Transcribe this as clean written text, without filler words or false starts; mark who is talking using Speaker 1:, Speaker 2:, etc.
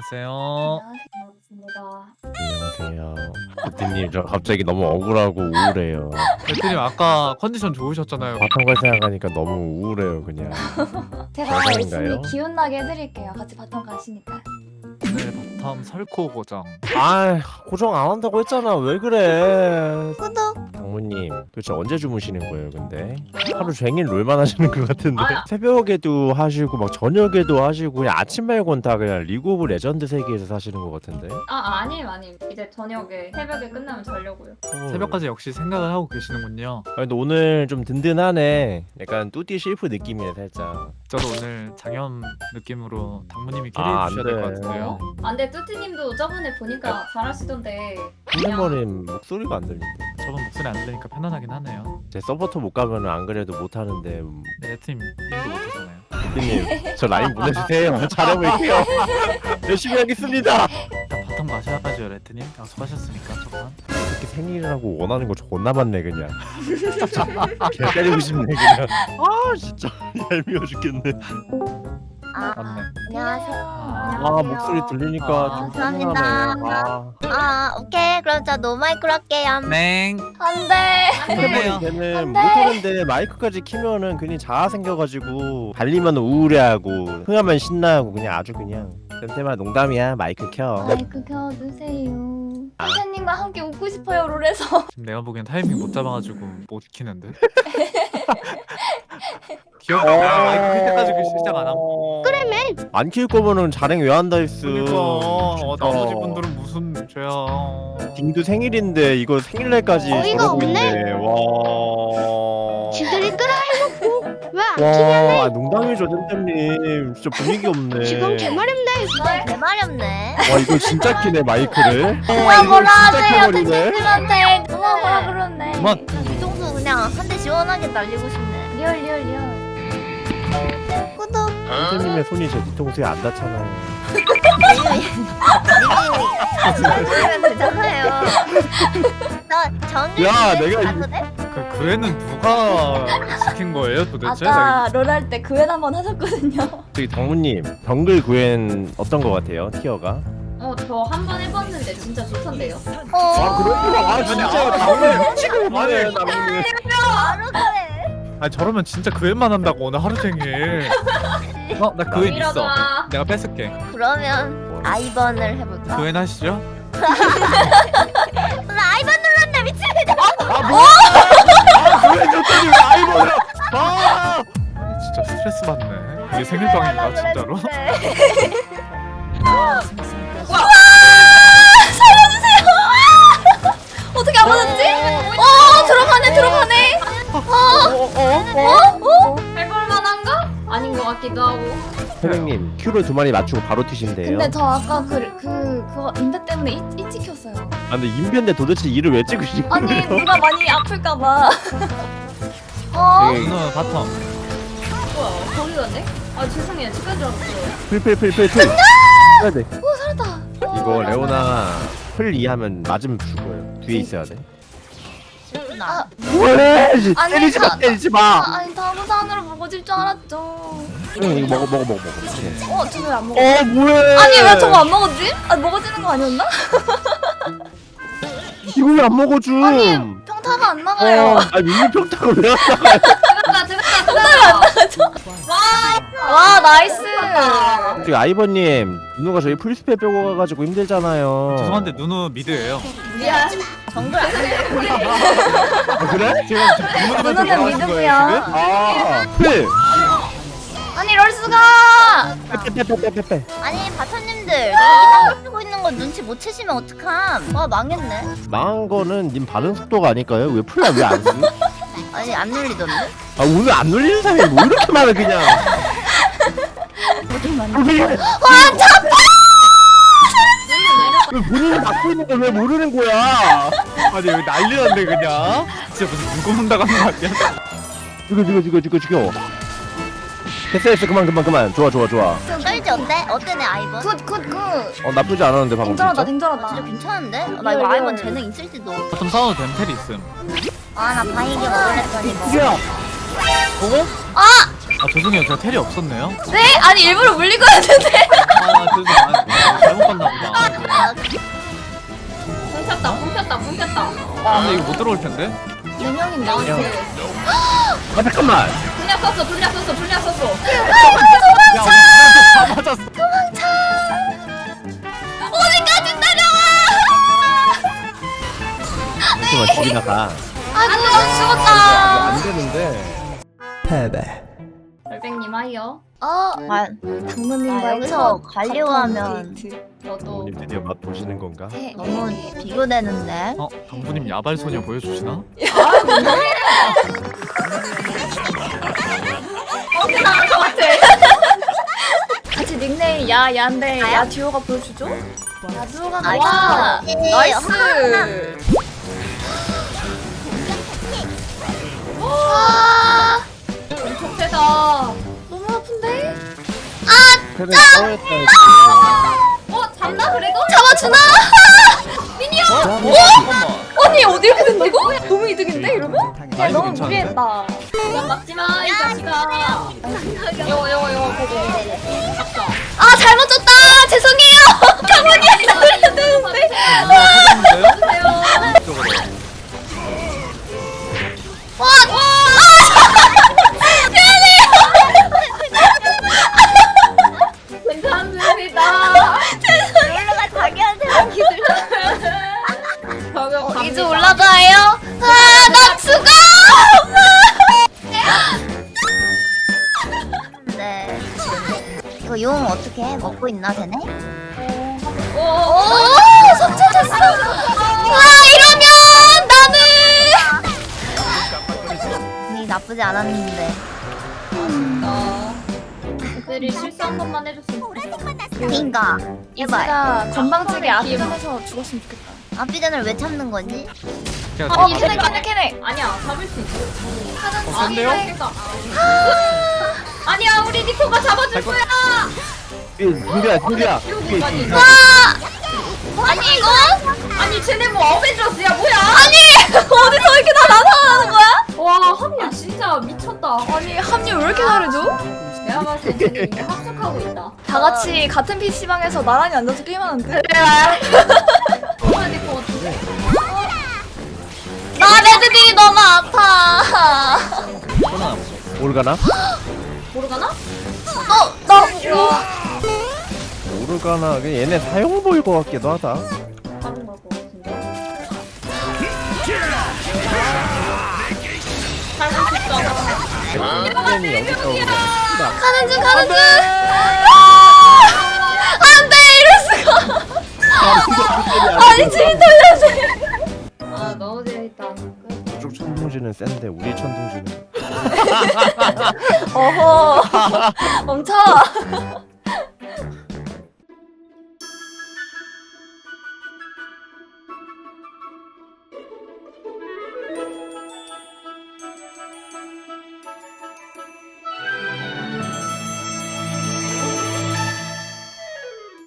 Speaker 1: 안녕하세요.
Speaker 2: 반갑습니다.
Speaker 3: 안녕하세요. 대표님 저 갑자기 너무 억울하고 우울해요.
Speaker 1: 대표님 아까 컨디션 좋으셨잖아요.
Speaker 3: 바텀 갈 생각하니까 너무 우울해요 그냥.
Speaker 2: 제가
Speaker 3: 대단인가요?
Speaker 2: 열심히 기운나게 해드릴게요. 같이 바텀 가시니까.
Speaker 1: 오늘 바텀 설코 고정.
Speaker 3: 아 고정 안 한다고 했잖아. 왜 그래?
Speaker 2: 구독!
Speaker 3: 장모님 도대체 언제 주무시는 거예요 근데? 하루 종일 롤만 하시는 것 같은데?
Speaker 2: 아.
Speaker 3: 새벽에도 하시고 막 저녁에도 하시고 그냥 아침 말고는 다 그냥 리그 오브 레전드 세계에서 사시는 것 같은데?
Speaker 4: 아니에요. 이제 저녁에 새벽에 끝나면 자려고요.
Speaker 1: 새벽까지 역시 생각을 하고 계시는군요.
Speaker 3: 아 근데 오늘 좀 든든하네. 약간 뚜띠 실프 느낌이네 살짝.
Speaker 1: 저도 오늘 장염 느낌으로 당무님이
Speaker 3: 아,
Speaker 1: 캐리해 주셔야 될 것
Speaker 3: 안 돼.
Speaker 1: 같은데요.
Speaker 4: 근데 뚜띠님도 저번에 보니까 잘하시던데.
Speaker 3: 훌리머님 목소리가 안 들린대.
Speaker 1: 저번 목소리 안 들리니까 편안하긴 하네요.
Speaker 3: 제 서포터 못 가면 안 그래도 못 하는데
Speaker 1: 네, 레트님 님도 못하잖아요.
Speaker 3: 대표님 저 라인 보내주세요. 잘해볼게요. 열심히 하겠습니다.
Speaker 1: 다 바텀 가셔야죠 레트님. 약속하셨으니까 저번.
Speaker 3: 이렇게 생일이라고 원하는 거 존나 많네 그냥. 개 때리고 싶네 그냥. 아 진짜 얄미워 죽겠네.
Speaker 1: 맞네.
Speaker 2: 안녕하세요.
Speaker 3: 아 목소리 들리니까
Speaker 1: 아,
Speaker 3: 좀
Speaker 2: 감사합니다.
Speaker 3: 편하네.
Speaker 2: 오케이. 그럼 저 노마이크로 할게요.
Speaker 1: 넹.
Speaker 2: 안 돼!
Speaker 3: 핸드폰이 걔는 못하는데 마이크까지 키면은 괜히 자아 생겨가지고 달리면 우울해하고 흥하면 신나하고 그냥 아주 그냥 쌤쌤아 농담이야 마이크 켜.
Speaker 2: 마이크 켜주세요. 선생님과 함께 웃고 싶어요, 롤에서.
Speaker 1: 지금 내가 보기엔 타이밍 못 잡아가지고 못 키는데. 귀엽다. 마이크 킬 때까지 시작 안 하고.
Speaker 3: 안 키울 거면은 자랭 왜 한다 했어.
Speaker 1: 그러니까 나머지 분들은 무슨 죄야.
Speaker 3: 딩도 생일인데 이거 생일날까지
Speaker 2: 어이가
Speaker 3: 저러고
Speaker 2: 없네?
Speaker 3: 있네. 와.
Speaker 5: 지들이 끌어해놓고 왜
Speaker 3: 와, 아, 농담이죠, 쌤쌤님. 진짜 분위기 없네.
Speaker 5: 지금 개말없네.
Speaker 2: 대말이 없네.
Speaker 3: 와, 이거 진짜 키네 마이크를.
Speaker 2: 누가 뭐라 하세요,
Speaker 3: 켜버리네.
Speaker 2: 선생님한테. 누가 뭐라 그러네.
Speaker 1: 그만.
Speaker 2: 뒤통수 그냥 한 대 시원하게 날리고 싶네. 리얼. 구독!
Speaker 3: 쌤쌤님의 손이 제 뒤통수에 안 닿잖아요.
Speaker 2: 님이 되잖아요. 나 정리
Speaker 3: 야, 내가
Speaker 2: 가도 돼?
Speaker 1: 그 애는 누가 시킨 거예요 도대체?
Speaker 2: 아까 롤할 때 그웬 한번 하셨거든요.
Speaker 3: 저기 당무님, 정글 구엔 어떤 거 같아요, 티어가?
Speaker 4: 저 한 번 해봤는데 진짜 좋던데요.
Speaker 3: 아, 그렇구나. 아, 진짜 당무님 미치겠네, 당무님.
Speaker 2: 바로 그래.
Speaker 1: 아니 저러면 진짜 그 애만 한다고 오늘 하루 종일. 나 그 애 있어.
Speaker 4: 이러다.
Speaker 1: 내가 뺏을게.
Speaker 2: 그러면 아이번을 해볼까?
Speaker 1: 그 애 하시죠?
Speaker 2: 나 아이번 눌렀네 미치겠다.
Speaker 3: 아, 뭐야! 아, 그래, 저쪽이 왜 아이보야! 아!
Speaker 1: 아니 진짜 스트레스 받네. 이게 생일빵인가 진짜로?
Speaker 2: 어떻게 안 맞았지? 들어가네.
Speaker 4: 해볼만한가? 아닌 것 같기도 하고.
Speaker 3: 선생님, 큐를 2마리 맞추고 바로 튀신대요.
Speaker 2: 근데 저 아까 그거 인베 때문에 이 찍혔어요.
Speaker 3: 아, 근데 인변데 도대체 일을 왜 찍으신
Speaker 2: 아니
Speaker 3: 거예요?
Speaker 2: 누가 많이 아플까봐.
Speaker 3: 네.
Speaker 1: 누나 바텀.
Speaker 4: 뭐야? 거기 갔네? 죄송해요. 집간 줄 알았어요.
Speaker 3: 풀. 해야 돼.
Speaker 2: 오 살았다.
Speaker 3: 이거 레오나 풀 이하면 맞으면 죽어요. 뒤에 있어야 돼.
Speaker 2: 아,
Speaker 3: 왜?
Speaker 2: 아니,
Speaker 3: 때리지 마, 때리지 마.
Speaker 2: 아니 다무산으로 먹어질 줄 알았죠.
Speaker 3: 응, 이거 먹어. 이렇게.
Speaker 2: 저 왜 안 먹어?
Speaker 3: 뭐해?
Speaker 2: 아니 왜 저거 안 먹었지? 먹어지는 거 아니었나?
Speaker 3: 이거 왜 안 먹어줘?
Speaker 2: 아니 평타가 안 나가요.
Speaker 3: 민물 평타가 왜 안 나가?
Speaker 4: 들어갔다.
Speaker 2: 와 나이스.
Speaker 3: 저기 아이버님, 누누가 저희 풀스페 빼고 가가지고 힘들잖아요.
Speaker 1: 죄송한데 누누 미드예요.
Speaker 4: 미안.
Speaker 2: 정글 안 돼.
Speaker 3: 아, 그래?
Speaker 1: 지금
Speaker 2: 누누는 미드고요.
Speaker 3: 아, 풀.
Speaker 2: 아니 럴스가.
Speaker 3: 빼.
Speaker 2: 아니 바타님들 이땅 쓰고 있는 거 눈치 못 채시면 어떡함. 와 망했네.
Speaker 3: 망한 거는 님 반응 속도가 아닐까요? 왜 풀라 왜 안 쓰?
Speaker 2: 아니 안 눌리던데?
Speaker 3: 아, 오늘 안 놀리는 사람이 뭐 이렇게 많아 그냥.
Speaker 2: 어디 맞나?
Speaker 3: 왜 본인이 갖고 있는 걸 왜 모르는 거야?
Speaker 1: 아니 여기 난리 났네 그냥. 진짜 무슨 물고 논다고 하는 거 아니야?
Speaker 3: 죽여. 됐어 그만. 좋아.
Speaker 2: 썰지 어때 내 아이번? 굿.
Speaker 3: 나쁘지 않았는데 방금 진짜?
Speaker 2: 댕절하다. 진짜 괜찮은데? 나 이거 아이번 재능 있을지도.
Speaker 1: 바텀 싸워도 됨 텔이 있음.
Speaker 2: 나 바이게 먹으랬더니 뭐.
Speaker 3: 죽여.
Speaker 1: 아 죄송해요 제가 텔이 없었네요.
Speaker 2: 네? 아니 일부러 물리고 했는데.
Speaker 1: 죄송해요. 잘못 봤나 보다.
Speaker 4: 붕 폈다.
Speaker 1: 아 근데 이거 못 들어올 텐데.
Speaker 2: 4명인데
Speaker 3: 형. 아 잠깐만.
Speaker 4: 불량 썼어.
Speaker 1: 야 우리 다 맞았어.
Speaker 2: 어디까지
Speaker 3: 잠깐만 죽이나 가.
Speaker 2: 아 죽었다.
Speaker 3: 안 되는데.
Speaker 4: 별백님 하이요.
Speaker 2: 당무님과 여기서 가려고 하면
Speaker 4: 저도
Speaker 3: 부모님 드디어 맛 보시는 건가?
Speaker 2: 너무 비교되는데.
Speaker 1: 당부님 야발 소녀 보여주시나?
Speaker 4: 나은 것 같아.
Speaker 5: 같이 닉네임 야야인데 야 듀오가 보여주죠?
Speaker 2: 야두가
Speaker 4: 와, 나이스. 엄청 세다.
Speaker 5: 너무 아픈데?
Speaker 3: 그래 싸웠다.
Speaker 4: 잡나 그래도?
Speaker 5: 잡아주나?
Speaker 1: 잠깐만.
Speaker 5: 언니 어디 이렇게 된다고? 너무 이득인데 이러면?
Speaker 1: 나이스
Speaker 5: 너무
Speaker 1: 괜찮은데?
Speaker 5: 무리했다.
Speaker 4: 그냥 막지마 이 자식아. 요거 보고 잡자.
Speaker 5: 아 잘못 줬다. 죄송해요. 가만히 살려야 되는데.
Speaker 1: 찾았는데요? 이쪽으로.
Speaker 4: 괜찮습니다.
Speaker 2: 롤러가 자기한테 한 기술.
Speaker 4: 저격
Speaker 5: 이제 올라가요. 아나 죽어.
Speaker 2: 네. 이거 용 어떻게 해? 먹고 있나 쟤네?
Speaker 5: 오 손쳐졌어. 와 이러면 나는.
Speaker 2: 이 나쁘지 않았는데.
Speaker 4: 애들이 실수한 것만 해줬으면 좋겠다.
Speaker 2: 그니까. 제발.
Speaker 5: 이즈가 건방지게 앞전에서 죽었으면 좋겠다.
Speaker 2: 앞비전을 왜 참는 거지?
Speaker 1: 제가
Speaker 5: 캐네.
Speaker 4: 아니야 잡을 수 있어.
Speaker 1: 센데요?
Speaker 4: 아니야 우리 니코가 잡아줄
Speaker 1: 갈 거-
Speaker 4: 거야.
Speaker 3: 준비야.
Speaker 4: 여기까지.
Speaker 5: 아니 이거?
Speaker 4: 아니 쟤네 뭐 어벤져스야 뭐야?
Speaker 5: 어디서 이렇게 다 나타나는 거야?
Speaker 4: 와 합류 진짜 미쳤다.
Speaker 5: 아니 합류 왜 이렇게 잘해줘?
Speaker 4: 내가 봤을 때 쟤네 이게 합숙하고 있다.
Speaker 5: 다 같이 같은 PC방에서 나란히 앉아서 게임하는데?
Speaker 4: 정말 니코 어떻게?
Speaker 5: 나 레드딜이 너무 아파.
Speaker 3: 모르가나?
Speaker 4: 모르가나?
Speaker 5: 나
Speaker 3: 모르가나. 그냥 얘네 사용 보일 것 같기도 하다.
Speaker 4: 다른 걸 것 같은데. 잘못 쳤다.
Speaker 3: 선생님이 여기서 그냥 씨발.
Speaker 5: 가는 중. 안돼 이럴 수가. 아니 지금 돌려주세요.
Speaker 4: 아 너무 재밌다.
Speaker 3: 저쪽 천둥지는 센데 우리 천둥지는
Speaker 5: 어허 멈춰.